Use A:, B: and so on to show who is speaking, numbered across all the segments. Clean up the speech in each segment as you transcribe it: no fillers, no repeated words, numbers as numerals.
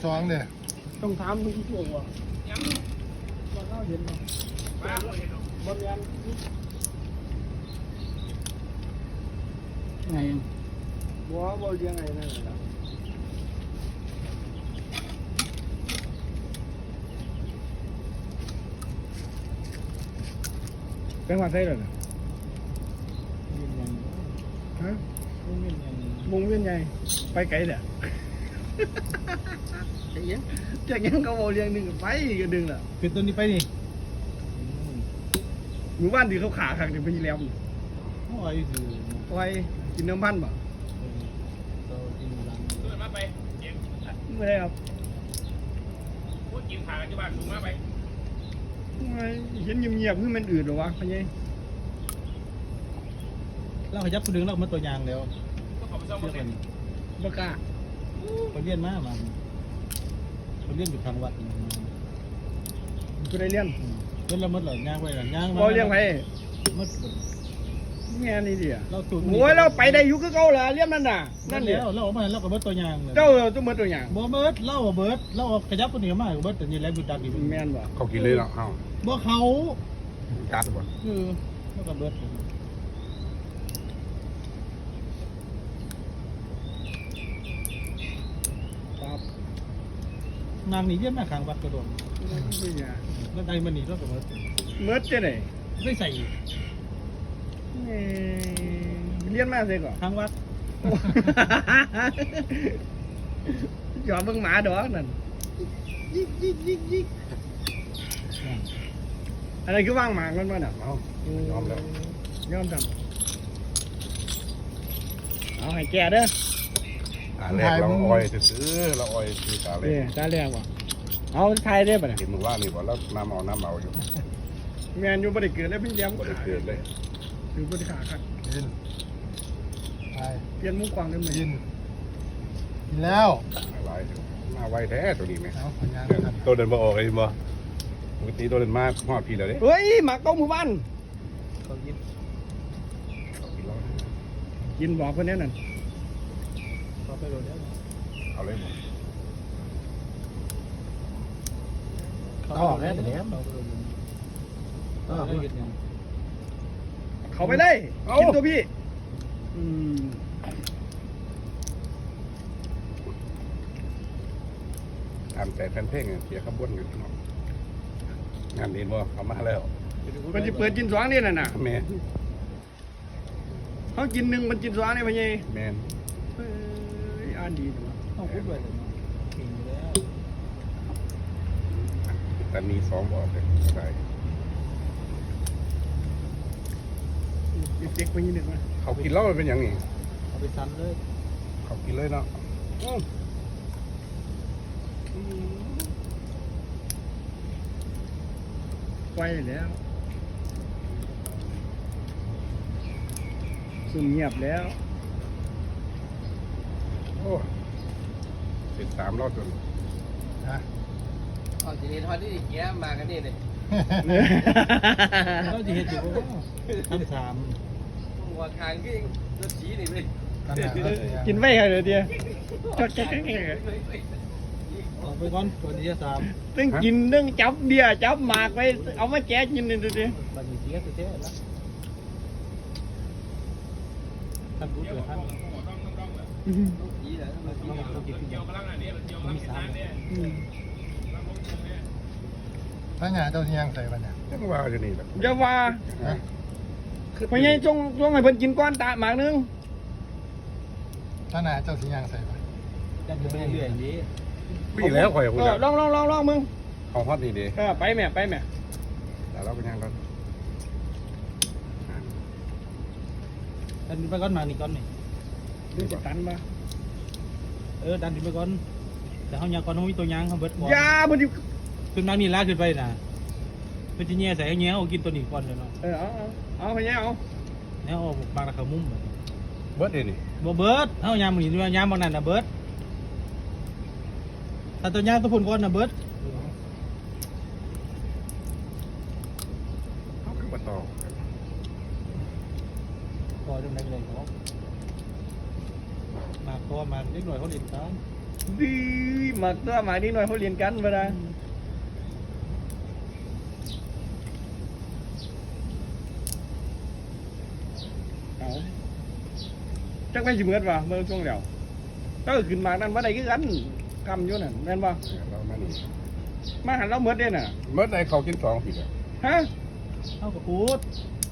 A: สองเนี่ย
B: ต้องถามมึงที่ตัวยังว่าเขาเห็นบ้าบนยันไงบัวบัวยังไงนั่นแหละเป็นวันไทยเหรอฮะวงเวียนใหญ่ไปไกลเด้อจากยังเขาบอกเรียงหนึ่งไปก็ดึงล่ะ
A: คือตัวนี้ไปนี่
B: หมู่บ้านที่เขาขาขังจะไปแล้ว
A: โอ้ยคือ
B: ไปกินน้ำมันบ่
A: เรากินรัง
C: เดินมาไปเก็บ
B: ไม่ได้ครับ
C: พูดกินขากันที่บ้านลุงมาไป
B: ไม่เห็นเงียบๆคือมันอืดหรอวะพี่ยัย
A: เราขยับตัวดึงเรามาตัวยางแล้ว
C: ก็ขอไปซ่อม
A: เชื่
C: มา
A: อ
C: เสร็
A: กั
C: จ
A: น
B: บ้ากล้า
A: คนเลี้ยนมามันคนเลี้ยนอยู่ทางวัด
B: กูได้เลี้ยง
A: เพิ่นละมดเหรอย่างไปหรอย่าง
B: บ่เลี้ยงไป
A: มด
B: แง่นี่ดิอ่ะ
A: เราตูด
B: โอ้ยเราไปได้อยู่คือเก่าล่ะเลี้ยงนั่นน่ะ
A: นั่
B: นั่
A: น
B: นเดี
A: แล้
B: ยว
A: เราออกมาเราก็เบิดตัวยางเลย
B: เจ้าตัวมือตัวอย่าง
A: บ่เบิดเราเบิดเราขยับตัวนี้มาเบิดแต่นี่แหละบุดักอยู่
B: แม่นบ่
D: เขากินเลยเนาะเอ้า
A: บ่เขา
D: จัดบ่
A: แล้วก็เบิด
B: ครับ
A: นางนี่เยี่ยมมาข้างวัดกระโดด
B: นี่ไง
A: แล้วได้มันนี่เราก็เบิด
B: เมื่อจะไหน
A: ได้ใส่
B: เลี้ยงมาเสียก่อน
A: ข้างวัด
B: หยอดเบิ่งหมาดอกนั่นยิกอะไรคือว่างหมากมันมาน่ะ
D: เอ้ายอมแล้ว
B: ยอมทำเอาให้แกเด้อ
D: ตาแรกเราอ้อยซื้อเราอ้อยซื้อตาแร
B: นี่
D: ก
B: ตาแรกว่ะเอาไทยได้ป่ะเนี่ย
D: เห็นมึงว่านี่บ่แล้วน้ำเอาอยู่
B: แมนอยู่บ่ได้เกิดแล้วพี่แย้ม
D: บ่ได้เกิดเลย
B: คือบ่ได้ขาขัด
A: กินไป
B: เปลี่ยนมุ้งกวางได้ไหม
A: กินกินแล้ว
D: หลายมาไวแท้ตัวนี้แม่
A: เอาผลงานครับ
D: ตัวเดินบ่ออกเลยบ่ปกติตัวเดินมาฮอดพี่แล้วเด้
B: เฮ้ยหมาเก้าหมู่บ้าน
A: เขากิน
B: กินบอกคนนี้นั่น
A: เขาไปโดนแล้ว
D: เอาเลยบ่
A: เขาออกแล้วแต่แล้วเขาไปโดนแล้ว
B: เขาไปเลยกินตัวพี่อืม
D: ตามใจแฟนเพลงเสียขบวนอยู่เนาะงานนี้บ่เอามาแล้ว
B: มันจะเปิดกินสวางนี่น่ะ
D: แม่
B: เขากินหนึ่งมันกินสวางนี่พี่ยัย
D: แม่น
B: เฮ้ยอ่านดีจังวะ
A: ต้องพูดด้วยกินแล้ว
D: ตอนนี้2บ่อเลยได้
B: เด็กๆไปยี่หนึ่งวะ
D: เขากินแล้วมันเป็นหยังนี่
A: เอาไปซ้ำเลย
D: เขากินเลยเนาะ
B: ไปแล้วซุ่มเงียบแล้ว
D: โอ้ติด3รอบจน
A: ฮะ
C: อ๋อทีนี้ทอดนี่แกมากันนี่เลย
A: เราจะเห็นอยู่ทั้งสาม
C: หัวคางก็รถสีนี่เลย
A: ขนาดนั้น
B: กินไว้ค่ะเดี๋ยวเดียวจอดแก๊ก
A: ออกไปก่อนตัวที่สาม
B: ตึ้งกินตึ้งจับเบียร์จับหมากไว้เอามาแกะกินนี่ดูดิ
A: บันนี้เสียตัวเจ๊แล้วท่านพูดเลยท่าน
C: สีเหรอมันสี
A: เรากิน
C: เกี่ยวกำลังอันนี้มันเกี่ยวกำลังงานเนี่ย
A: พระงาเจ้าที่ยังใส่บันเนี่ย
D: จังว่าอยู่นี่แหละ
B: อย่าว่าพญายจงให้เพิ่นกินก้อนตาหมากนึง
A: พระงาเจ้าที่ยังใส่บันจะอยู่เรื่อยๆนี้
D: พี่แล้วข่อยคุย
B: ลองมึง
D: เอาฮอตนี่เด้
B: ไปแม่
D: แต่เราเป็นยังก่อน
A: ดันไปก่อนมานี่ก่อนนี่
B: ดูสิตันมา
A: ดันไปก่อนแต่เขายังก่อนเขามีตัวยางเขาเบิดก่อน
B: ยาบ่ดิ
A: ขึ้นมานี่ลากขึ้นไปนะเป็นจีเนียใส่เงี้ยเอากินตัวนี้ก่อนเลยเนาะ
B: เอาพญายเอา
A: แล้วเอาบางราคามุ้ม
D: เบิร์ดเด้นี่
A: บ่เบิดเอายามมันนี่ยามบางนั้นนะเบิดถ้าตัวยางตัวพุ่นก่อนนะเบิด
D: เขาคือมาต่อ
A: พอจังได๋เลยเขามาตัวมาเล็กหน่อยเขาเล่นกัน
B: ดีหมักตัวหมาดีหน่อยเขาเรียนกันเวลาเอาจักแม่นสิเหมือนว่ะเมื่อช่วงเดียวก็ขึ้นมานั่นว่าใดคือกันกำอยู่นั่นแม่นบ่
D: เรามานี่
B: มาหันเราเหมือนเด้น่ะ
D: เมื่อใดเขากินสองผิดอ่ะ
B: ฮะ
A: เอากับพูด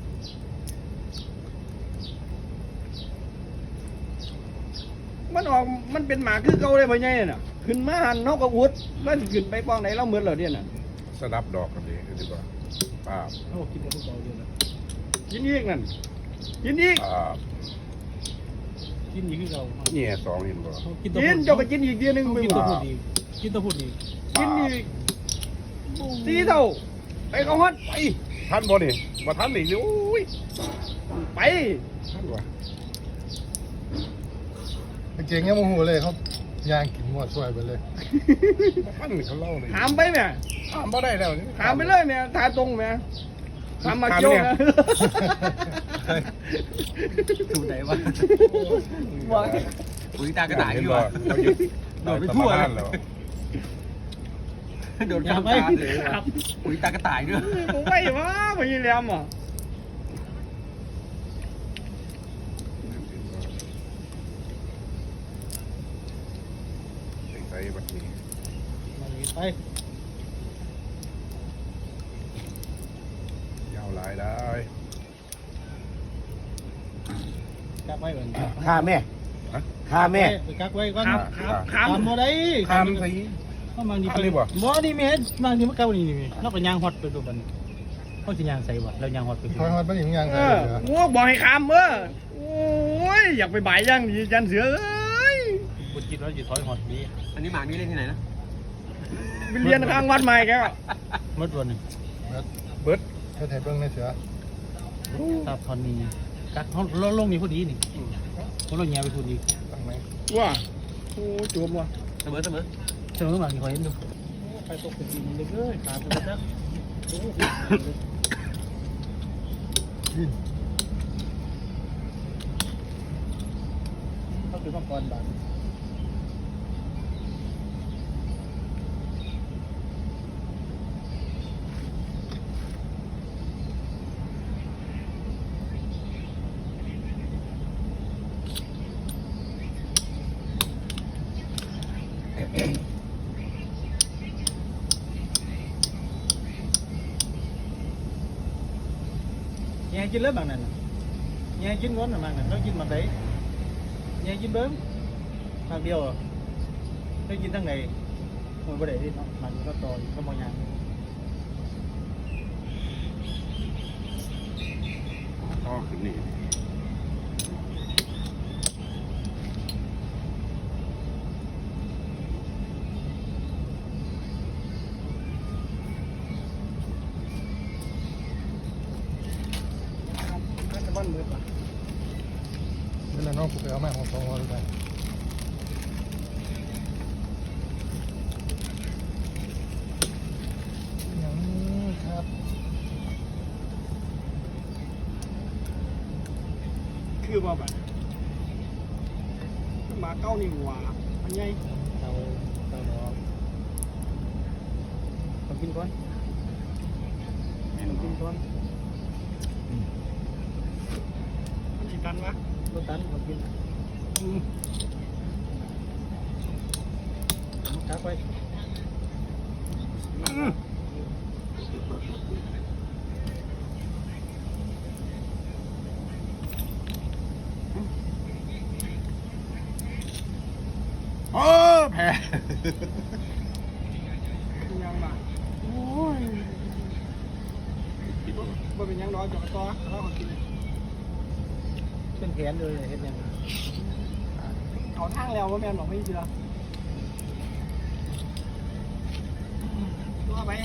B: มันออกมันเป็นหมาคือเก่าเลยพ่อใหญ่น่ะขึ้นมาหันเฮาก็อุดแล้วสิขึ้นไปป้องไหนเราเหมือนเหรอเด้น่ะ
D: สลับดอกกันดีดีกว่าป้าบ
A: เอากินกับพวกเราเดียวนะ
B: กินอีกนั่นกินอีก
D: ป้าบ
A: กินอีกคือเรา
D: เนี่ยสองเห็นบ่
A: กินตัว
B: กินเจ้าก็กินอีกเดียวหนึง
A: กิน
B: ไป
A: ตัว
B: บ่
A: พูดอีกกินตัวพูดอีก
B: กินอีกสีเท่าไปเขาฮอดไป
D: ท่านบ่นี่บ่ท่านนี่โอ้ย
B: ไป
D: ท่านวะ
E: เก่งยังโมโหเลยเขาย่างกินหมดช่วยไปเลย
D: ท่านเขาเล่าเลย
B: ถามไปแม่
D: ถามบ่ได้แล้วนี่
B: ถามไปเลยแม่ถามตรงแม่ถามมาเกี่ยวนะ
C: ถูกไหนวะ
B: ว่า
C: ปุ๋ยตากระต่าย
D: เห็น
C: ดีก
D: บ่
C: ว่า
D: เขาหยุด
C: โดดไปทั่ว
D: สมานแล้ว
C: โดด
A: อย่า
C: ข้าม
A: ไป
C: ตาเลย
A: ครับ
C: ปุ๋ยตากระต่ายด้วย
B: ผมไปวะไปยี่แหลมอ่ะ
D: ใส่บัดนี้
A: มันไป
D: ยาวหลายได้
A: กักไว้ก่อน
E: ฆ่าแม่
D: ฮะ
E: ฆ่าแม่
A: ไปกักไว้ก่อน
B: ครับ
A: ทำบ่ได้
D: ทำสิ
A: เขาบางที
D: ทำเลยบ่
A: บ่นี่แม่บางทีมันเก่านี่นี่เราก็ยางฮอตไปตัวมันเขาสิยางใส่บ่แล้วยางฮอตไป
E: คอยฮอดไม่ถึงยัง
B: เอ
E: ไง
B: อ
E: เหรอ
B: งัวบอกให้คำโอ้ยอยากไปบ่ายย่างดีจันเสือเอ้ย
A: บุญจิตเราสิถอยฮอตดี
C: อันนี้หมากนี่เล่นที่ไหนนะ
B: ไปเรียนข้างวัดใหม่แกก็
A: หมดวันนึง
D: เบิด
E: เธอไทยเบิ้งในเสือ
A: ตาทอนนี้กักเฮาลงนี่พอดีนี่เขาลงแย่ไปพอดี
E: ตั้งไหม
B: ว่าโอ้จวมว่ะ
C: เสมอเสมอ
A: เสมอบางทีขอเห็นดูไปตกไปกินเลยเอ้ยขาไปจัก
E: กิน
A: เขาคือมังกรบาด แย่กินเลยบางนั้นแย่กินก้อนบางนั้นเรากินมาได้แย่กินเบิ้มบางเดียวเรากินทั้งไหนโอ้ยบ่ได้ที่มันก็ต่อก็มองยัง
D: ต่อขึ้นนี่
B: น่าจะบ้านมืดว่ะ
E: นี่แหละน้องกูไปเอาแม่ของสองวันไปยังครับ
B: คือว่าแบบหมาเก้านี่หว่าอันใหญ่
A: เรารอต้องกินก่อน
B: มันกินก่อนมันสิตันวะ
A: รถตันต้องกินกักไว้
D: โอ้แพ้
B: เป็นยังบ้างโอ้ยบ่เป็นยังน้อยจอกต่อแล้วก็กิน
A: เป็นแขนเลยเห็นยัง
B: เขาทางแล้วว่าแม่นบอกไม่เชื่อตัวไป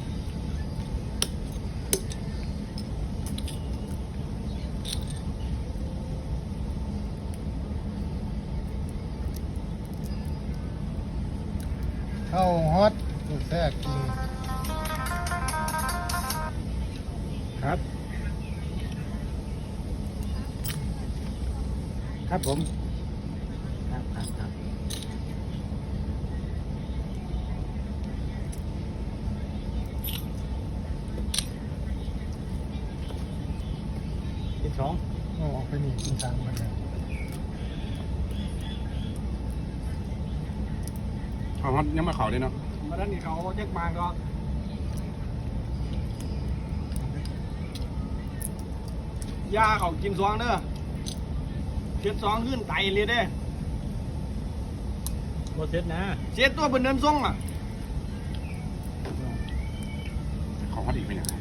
E: เข้าฮอตกูแทรกกิน
A: ครับ ครับผมครับ 2
E: เอาออกไปนี่กิน3มันเนี่ย
D: เขาฮอตยังมาเขาเลยเนาะ
B: มาด้านนี้เขาแจ็คมาก็ยาเขากิน2เด้อเจ็ด2ขึ้นไตเลยเด้
A: บ่เสร็จนะ
B: เสียตัวเป็นเดินส่งอ่ะ
D: เขาฮอตอีกเป็นยังไง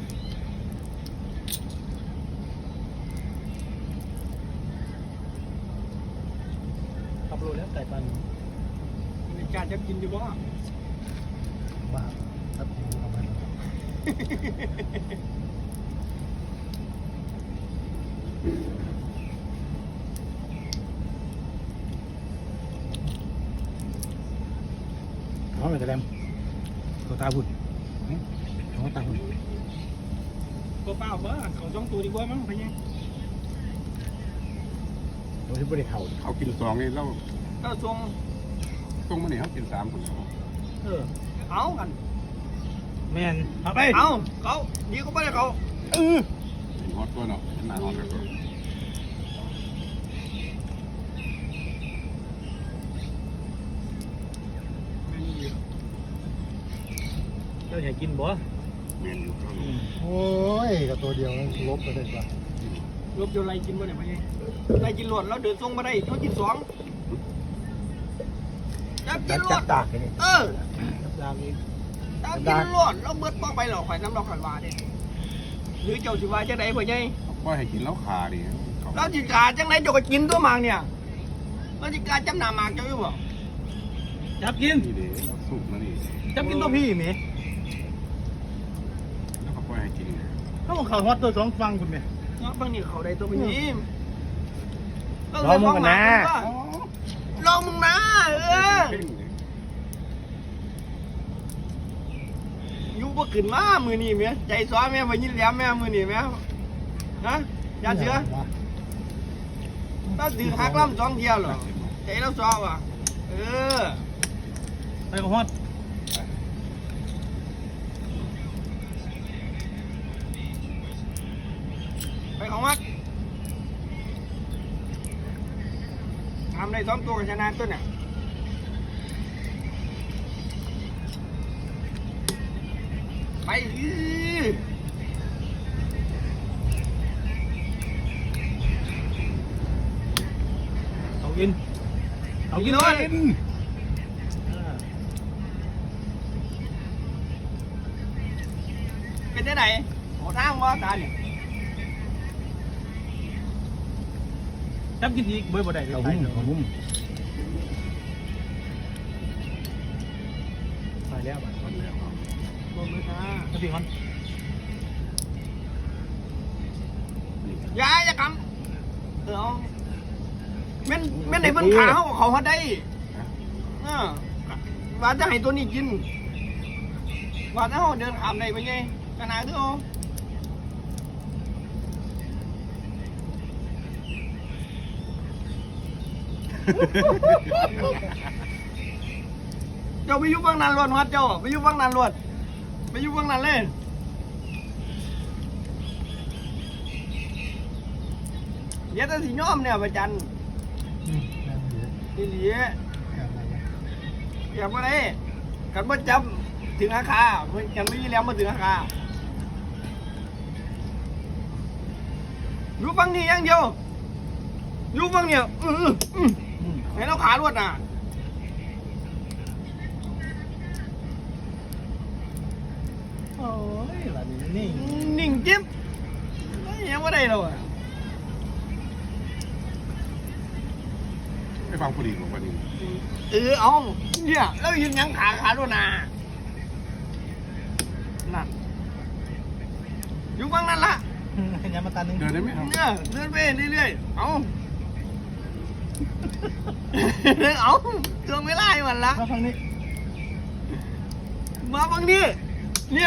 A: ขับรถแล้วไก่ปัน
B: มีการจะกินอยู่บ่
E: บ้าครับผมเอามา
A: เขาไปกระแลมตัวตาพุ่นเขาตาพุ่น
B: ก็เปล่าเบ้อเขา2ตัวดีกว่ามั้งพี่
A: ตัวที่บริเขา
D: เขากิน2นี่แล้ว
B: ก็ส่ง
D: ต้องมาเนี่ยเขากิน3คน
B: เอากัน
A: แม่นเอาไป
B: เอาเขาดีก็ไม่ได้เขา
D: เป็นฮอตตัวเนาะเป็นหน้าฮอตแล้วก็
A: เจ้าอยากกินบ่
D: เมนอยู่
E: โอ้ยกับตัวเดียวนั้นลบไปได้ปะ
B: ลบโยนไรกินบ่เนี่ยพี่ไรกินหลวดแล้วเดินส่งมาได้เขากิน2จับกินหลวด
A: ตากนี่
B: เออ
A: ตากนี่
B: จับกินหลวดแล้วเบิดป้องไปหรอข่อยน้ำเราข่อยว่าเด้หรือเจ้าสิว่าจังไดพ่อใหญ่
D: ก็ให้กินแล้วขาดิเขา
B: เราจิกาจังไดเจ้าก็กินตัวหมากเนี่ยเราจิกาจำหน้าหมากเจ้าอยู่บ่
A: จับกิน
D: นี่เด้เราสุกนะนี่
A: จับกินตัวพี่แม่
D: แล้วก็ปล่อยให้กิน
A: เขาบอกเขาฮอตตัว2ฟังคุณแม่
B: เนาะบางนี่เขาได้ตัวไปนี่
A: ลองมึงกันนะ
B: ลองมึงนะอยู่บ่ขึ้นมามือนี่แม่ใจซ้อแม่บ่ยินแหลมแม่มือนี่แม่ฮะยาเสือถ้าถือหักลำ2เที่ยวเหรอใจเราซ้อว่ะอ
A: ไปกับฮอต
B: ไปของวัดทำได้2ตัวกับชนะตัวเนี่ยไป
A: เอากินเอากิน
B: เล
A: เลย
B: ยเป็นได้ไหนโอ้ทางว่าตาเนี่ย
A: จับกินอีกบ่ได้เอาหุ้มเอาหุ้มไปแล้วบัด
D: คนแล้ว
B: บ่มือตา
A: เอาพี่ฮอน
B: อย่ากำเอาแม่นไหนเพิ่นขาเขาฮอดได้ว่าจะให้ตัวนี้กินว่าถ้าเขาเดินขามได้ไปไงขนาดที่เขาเจ้าไปอยู่บางนานรวดวัดเจ้าไปอยู่บางนานรวดไปอยู่บางนานเลยเดี๋ยวจะสิย้อมเนี่ยประจัน
E: นั่งอยู่
B: นี่เหลีย
E: กันอะไรกัน
B: อย่ามาเลยกันว่าจำถึงอาคากันไม่มีแล้วมาถึงอาคาอยู่ฟังนี่อย่างเดียวอยู่ฟังเนี่ยให้เราขาลวดน่ะ
A: โอ้ยบัดนี้นี่
B: นิ่งจิ๊บยังไม่ได้เราอ่ะ
D: ไม่ฟังผู้ดีของวันนี้
B: เอาเนี่ยแล้วยืนยังขาลวดน่ะนั่นอยู่ฟังนั่นละ
A: ยามาตาหนึ่ง
D: เดินได้ไหมครับ
B: เนี่ยเดินไปเรื่อยๆเอาเอาเตือนไม่ไล่มันละ
A: มาฟังนี้
B: มาฟังนี่เนี่ย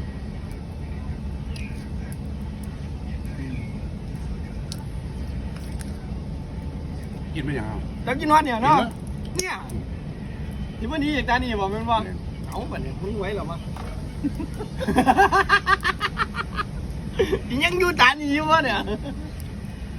D: กินไม่ยัง
B: จะกินวัดเนี่ยเนาะเนี่ยที่วันนี้อย่างตานี่บอกมันว่าเอาแบบนี้มึงไว้หรอมะ ยังอยู่ตานี่อยู่วะเนี่ย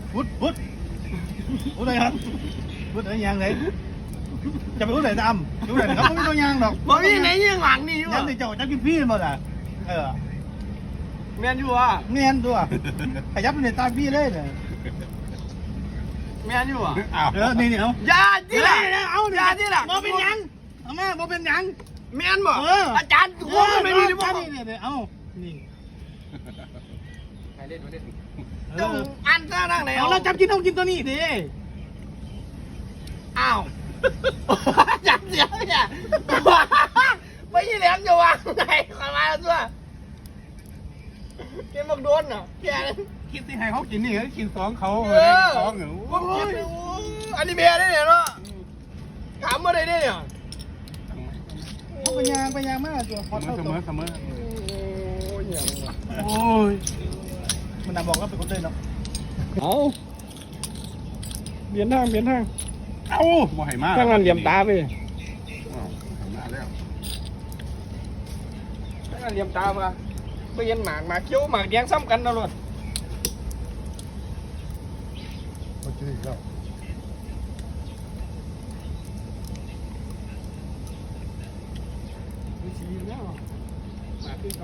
A: พุดอะไรครับพุดอะไรยางไหนจะไปพุดไหนตามพุดไหนครับไม่ต้องยางหรอก
B: บ่มีไหนยังหลังนี่อยู่
A: ยันในเจ้าจะกินพี่หมดอ่ะ
B: แม่นอยู่อ่ะ
A: เนียนตัวขยับในตาพี่เลยเนี่ย
B: แม่นอยู่อ่ะ
D: อ้าว
A: นี่เอา
B: ยาที่ละเอายาที่ละ
A: บ่เป็นยังเอาแม่บ่เป็นยัง
B: แม่นบ่อาจารย์หัวมันไม่มีหรือเปล่า
A: นี่เอานี่
C: ใครเล่นมาเล่น
B: จงอันซะนั่งไหน
A: เอาเราจับกินต้องกินตัวนี้ดิ
B: อ้าวจับเสียเนี่ยไม่ใช่แหลมจะวางไหนขอมาแล้วตัวเกมบักโดนอ่ะแก
D: คิดที่ให้เขากินนี่เขากิน2เขา
B: เออ
D: 2เหรอ
B: ผมคิดเลยอันนี้เบียร์ได้เนี่ยเนาะถามมาได้เนี่ย
A: เขาไปยางมากตัวพอเท่า
D: เส
A: ตัว
D: มอ
B: โอ้ยอย่างวะ
D: โอ้ย
A: มันน่ะบอกว่าเป็นคนเดินเนาะ
B: เอาเบียนทาง
D: เอ้าบ่ให้มา
B: ข้างนั้นเหลี่ยมตาไป
D: อ้าวให้มาแล้ว
B: ข้างนั้นเหลี่ยมตามาไปเย็นหมากเคี้ยวหมากแดงซ้ำกันตลอด
E: มันจะอีกแล้ว
B: มีชีแล้วหมากขึ้นเขา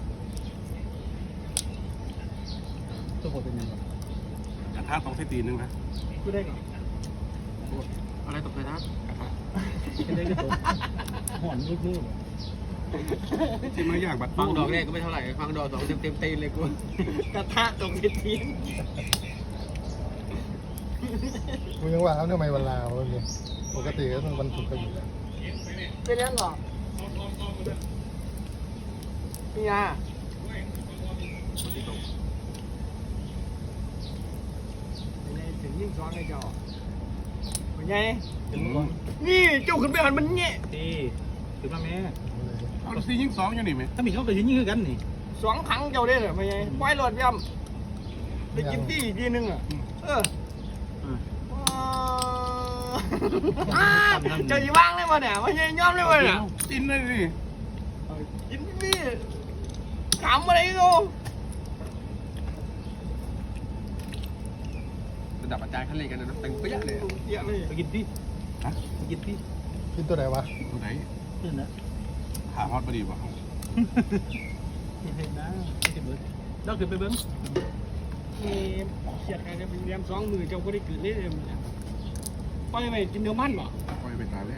A: ตัวผมเป็นยังไง
D: กระทะต้องใส่ตีนนึงนะ
A: กูได้ก่อน
C: อะไรตกใจนะ
A: กูได้ก็ตัวห่อนลึก
D: ที่มายากบัด
C: ฟังดอกแรกก็ไม่เท่าไหร่ฟังดอกสองเต็มตีนเลยกู
B: กระทะตรงกระทีน
E: กูยังว่าเขาทำไมวันลาวะเนี่ยปกติก็ต้องวันศุกร์ก็อยู่แล้ว
B: เป็นยังหรอพี่ยาถึงยิ่งซ้อนไอ้เจ้าเป็นไงนี่เจ้าขึ้นไปหันมันเงี้ย
A: ๆดีถือมาแม่
D: เอาสิยิง2อยู่นี่ไหม
A: ถ้ามีเขาก็ยิงคือกันนี่
B: สองครั้งเจ้าได้เหรอเป็นไงไว้หลอดย่ำไปกินที่อีกทีนึงอ่ะเออเจ้าอยู่บ้างเลยมาเนี่ยไม่ใช่ย่อมเลยมาเนี่ย
D: กินเลยดิ
B: กินพี่ขำอะไรกู
C: ระดับอาจารย์ขั้นเล่นกันนะเต็มเปี้ยเลย
B: เยอะเลย
A: ไปกินพี่
D: ฮะ
A: ไปกินพี่
E: กินตัวไหนวะ
D: ตัวไหน
A: ขึ้นนะ
D: หาฮอตบ่ดีบ่
A: กินเห็นนะกินเบิ้งเราขึ้นไปเบิ้ง
B: เขียดใครจะเป็นเลี้ยม2 มือเจ้าก็ได้กลืนเลยปล่อยไปกินเนื้อมันบ่
D: ปล่อยไปตาแรก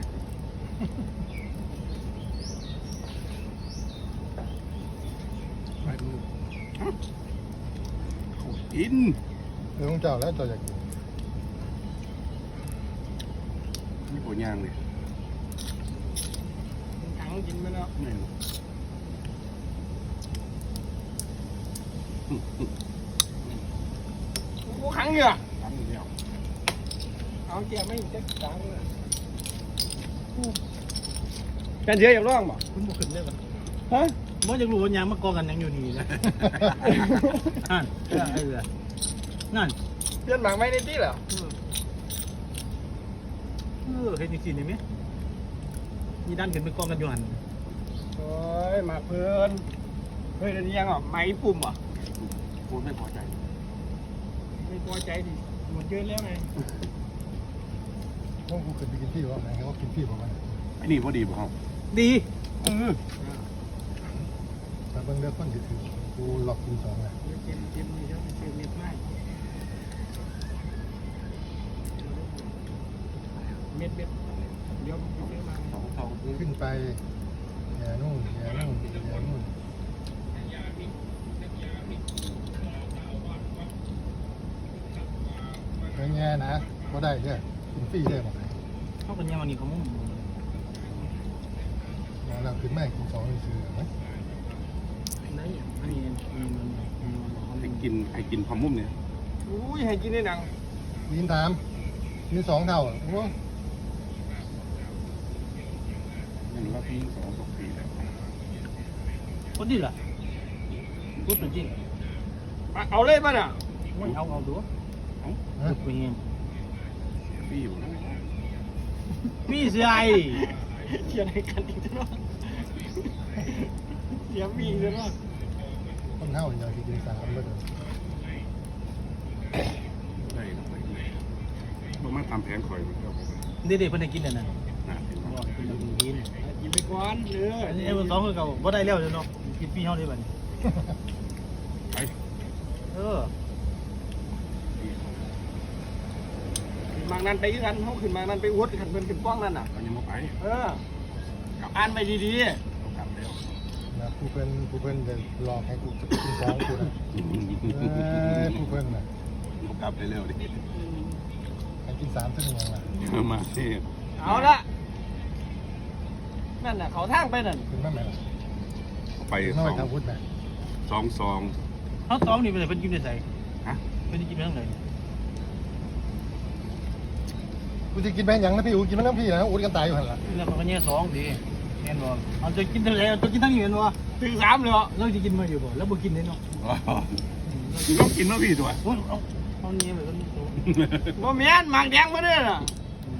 D: ไปดูเขากิน
E: เรื่องของเจ้าแล้วเจ้าอยากกิน
D: นี่ปวดยางเลย
B: ถังกินไปแล้ว
D: ไม่รู้
B: กูขังเหงื่อ
D: ตั้งเดียว
B: เอาแกไม่จะขังเลยกันเยอะอยากร้องบ่
A: คุณบอกขึ้นได้ปะ
B: ฮะ
A: บ่อยากรู้ว่ายางมากองกันยังอยู่นี่นะนั่นไอ้เรือนั่น
B: เพื่อนหมากไม่ได้ที่เหรอ
A: เห็นจริงๆนี่ไหมมีด้านขึ้นไปกองกันอยู่หัน
B: โอ้ยหมากเพื่อนเฮ้ยเดี๋ยวนี้ยังอ่ะไม้ปุ่มอ่ะ
D: พูดไม่พอใจ
B: ไม่พอใจดิหมดเยอะแล้วไง
E: พวกกูเคยไปกินที่ว่าไงเขากินที่ผมมัน
D: ไอ้นี่พอดีบ่เฮา
A: ดี
E: แต่เบิ่งเลือกคนที่ถือกูหลอกกิน2นะ
B: เกมนี่แล้วเกมเม็ดไม้เม็ดเดี๋ยวเดี๋ยวมา
D: สอง
E: ขึ้นไปแย่นู่นแย่นู่นแย่นู่นเป็นไงนะก็ได้เนี่ยกินฟรีได้หมด
A: เข้ากันยังวันนี้เขามุ่ง
E: แล้วเราขึ้นแม่กิน2ซื้อไหม
A: ได้อันนี้
D: ให้กินพอมุ่มเนี่ย
B: อุ้ยให้กินได้หนัง
E: กินกิน2 เท่าอ่ะโอ้
D: นั่นว่าพี่2 ปีแล้ว
A: คนดีล่ะพูดจริง
B: เอาเลยป่ะน่ะ
A: เอาดูพูดไปเอง
D: พี่อยู่นะ
A: พี่เสียไอ้
B: เขียนให้กันอีกแล้วเสียมีเลยว่า
E: คนเท่าอย่างที่กิน3ก็ได้
D: ได้มาทำแผงข่อยมันก็ไป
A: เด็กๆเพิ่นได้กินนั่นน่ะ
D: น่าเห็น
A: บ่
D: บ่
A: กินแล้วกิน
B: กินไปก่อนเด้อ
A: อันนี้เบอร์สองคือเก่าบ่ได้แล้วเนาะกินพี่เฮาได้บัดนี้
D: ไป
A: เออ
B: มางนั้นไปกันเขาขึ้นมางนั้นไปอวดขันเพิ่นขึ้นป้องนั่นน่ะ
D: มันยังบ่ไป
B: เอออ่านไปดี
D: เรากลับแล้ว
E: นะผู้เพิ่นจะหลอกให้กูจะกินสองกูนะผู้เพิ่นน่ะ
D: เรากลับได้แล้วดิ
E: ให้กินสามซึ่งยังล่ะ
D: มาเทศ
B: ๆเอาละนั่นน่ะเขาทางไปนั่น
E: กินมาไหมล่ะ
D: ไป
E: กิน
D: ส
E: มา
D: อ
E: ไป
D: ง
E: ทางพุทธนะ
D: สองซอง
A: เฮาตองนี่เป็นเพิ่นกินได้ไส
D: ฮะ
A: เพิ่นสิกินไปทางไหน
E: กูจะกินไปยังนะพี่อูกินมาทั้งพี่นะอูกันตายอยู่หันละ
A: แล้วมันก็แย่สองสิแม่นบ่เอาจะกินทางไหนเอาจะกินทางนี้แม่นบ่
B: ถึงสามเลยเหรอ
A: เราจะกินมาอยู่บ่แล้วบ่กินเด้เนาะ
D: ต้องกินมาพี่ตัว
A: โอ้ยเอาเนี่ยแบบนี้ตัว
B: บ่แม่นหมากแดงมาเด้อน่ะ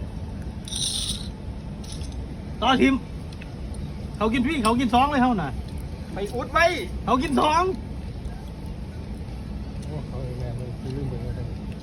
A: ต่อทีมเขากินพี่เขากินสองเลยเฮาน่ะ
B: ไปอุดไว้
A: เขากินสอง
E: โอ้เขาแม่เลยซื้อมือเลย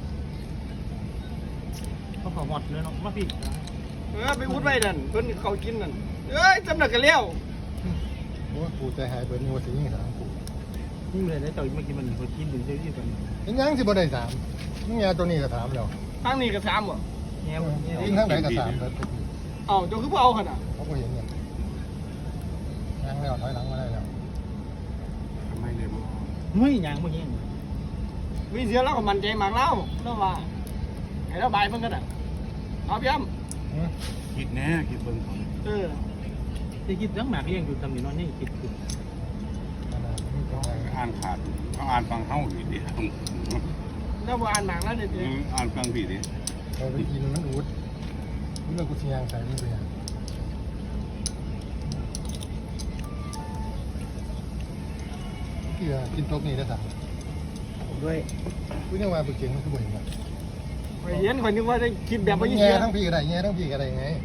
A: เขาขอหมดเลยเนาะมาพี่
B: ไปอุดไว้นั่นเพิ่นเขากินนั่นเอ้ยจำนักกันแล้ว
E: โอ้กูใจหายเบิดงัวสิยิงสามกู
A: นี่เลยได้เจ้ามากินมันเขากินถึงเจ้าที่กัน
E: ยังสิบ่ได้สามนี่ยาตัวนี้ก็ถามแล้ว
B: ทางนี้ก็สามบ่
A: แง่แง่
E: กินทางไหนก็สามเบิด
B: เอ้าเจ้าคือบ่เอาหั่นน่ะ
E: เขาก็เห็นเนี่ยยังแล้วถอยหลังมาได้แล้ว
D: ทำไมเลยบ่
A: ไม่ยังไม่ยัง
B: มีเสียแล้วก็มั่นใจมากแล้วแล้วว่าให้เราบายเพิ่นก็ได้เอาพี่อ้ำ
D: คิดแน่คิดเบิ่งเขา
B: เออ
A: จะกินทั้งหมากเลี้ยงอยู่ทำนี่นอนนี่กินกิน
D: อ่านขาดเขาอ่านฟังเฮาอีกดิ
B: แล้วบ่อ่านหนังแล้วนี่
D: อ่านฟังพี่ดิ
E: เราไปกินมันอูดนี่เรากูสิยางใส่นี่ไปยังกินโต๊ะนี้ได้สาม
A: ด้วย
E: กูยังว่าไปเก่งมันคือบ่เห็นว่า
B: ไปเห็นข่อยนึกว่าได้กินแบบบ่ยิน
E: แง่
B: เสีย
E: ทั้งพี่ก็ได้แง่ทั้งพี่ก็ได้ไง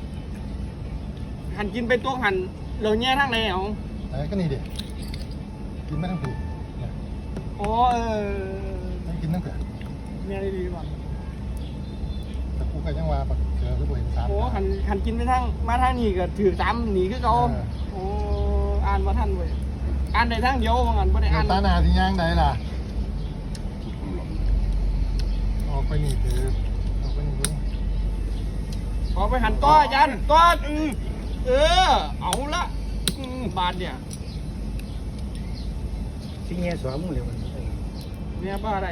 B: หันกินไปตัวหันเราแย่ทางไหนเอา
E: ไอ้ก็นี่ดิกินไม่ทั้งพี่
B: อ๋อ
E: ไม่กินทั้งเผือก
B: แม่ดีกว่า
E: แต่กูก็ยังว่าปักเจอคือบ่เห็นสาม
B: โอ้หันกินไปทางมาทางนี้ก็ถือสามหนีคือเขาโอ้อ่านบ่ทันเว้ยอ่านได้ทางเดียวว่างั้นบ่ได้อ่าน
E: ตาหนาที่ย่างใดล่ะ
D: ทุกคนหลง
E: ออกไปนี่คือออกไปนี่คือ
B: ขอไปหันต้ออาจารย์ต้อเอาละบาทเนี่ย
A: ที่แง่สองมึงเลยมัน
B: เนี่ยบ้าอะไร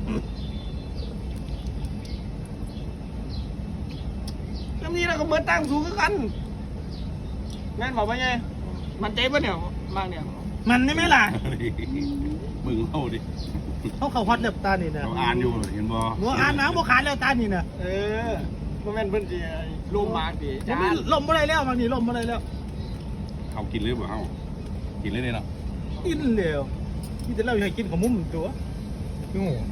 B: แล้วนี่เราก็เหมือนตั้งสูงกันแม่นบอกว่าไงมันเจ๊ปะเนี่ยมากเนี่ย
A: มันนี่ไหมล่ะ
D: มึงเฮาดิ
A: เขาเขาฮอตเล็บตานี่นะ
D: เราอ่านอยู่เห็นบ่
A: บัวอ่านหนังบัวขาดแล้วตานี่นะ
B: บ่แม่นเพิ่นสิลมมากดิ
A: ผมไม่ลมอะไรแล้วบางทีลมอะไรแล้ว
D: เขากินหรือเปล่าเฮากินเลยเนาะ
A: กินเร็วที่จะเล่าให้กินของมุมตัว
E: คือหมู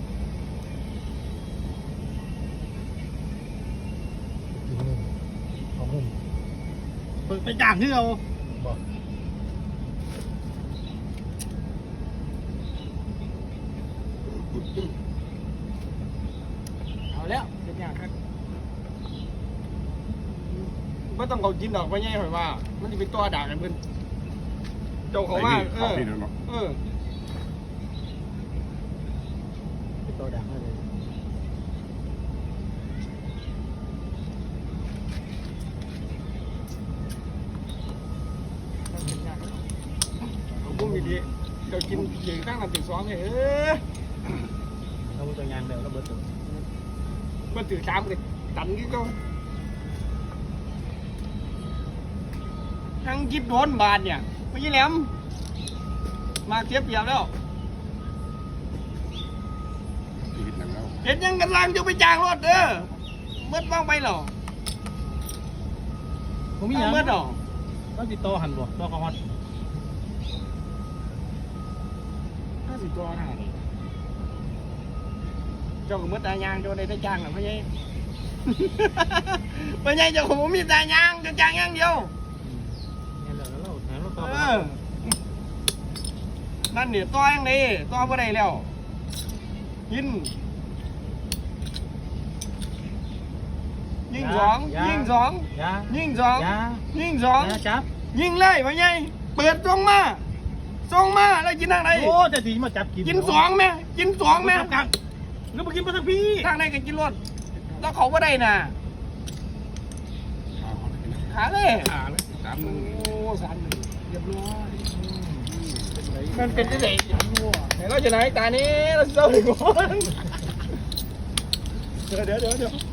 E: กินนี่ของมุม
A: ไปจ้างที่เรา
E: บอก
B: เอาแล้วเป็นอย่างครับบ่ต้องเขากินดอกไปไงข่อยว่า มันสิเป็นตัวด่ากันเพิ่นเจ้าเขาว่า
D: เขาพี่เนาะ
A: ตัวดังเลย
B: เอาบุ้มดีๆเจ้ากินเก่งตั้งแต่ตีสองเลย
A: เราตัวงานเร็วเราเบิดตัว
B: มันถือสามเลยตันกี่เจ้าทั้งจิบโดนบาทเนี่ยไม่ใช่แหลมมาเทียบเปรียบแล้ว
D: ชีวิตหนังแล้ว
B: เห็นยังกันลังจะไปจ้างรถเมื่อบ้างไปหรอ
A: ผมมีอย่าง
B: เมื่อหรอ
A: ต้องติดต่อหันบ่ต่อเขาฮอต
B: 50 ตัวนะเจ้าก็เมื่อตายางเจ้าได้จ้างหรอพ่อใหญ่ พ่อใหญ่เจ้าผมมีตายางจะจ้างอย่างเดียว
A: เนี่ยแล้วเราแถมเราต่อ
B: นั่นเนี่ยต่อยังไงต่อบ่ได้แล้วกินยิงสอง
A: อย่า
B: ยิงสอง
A: อย่า
B: ยิงสอง
A: อย่า
B: ยิงสอง
A: อย่าจับ
B: ยิงเลยพ่อใหญ่เปิดส่งมาแล้วกินทางไหน
A: โอ้จะดีมาจับกิน
B: กินสองแม่กินสองแม่
A: จับแล้วมากินมาทั้งพี่
B: ทางไหนกันกินรถแล้วเขาก็ได้น่ะขาเลย
D: ขาเลยสามมือ
B: โอ้3-1เรียบร้อย
A: มันเป็นที่ไหนอย่างงัว
B: ไหนเราจะไหนตานี้เราเศร้าหนึ่งคนเดี๋ยว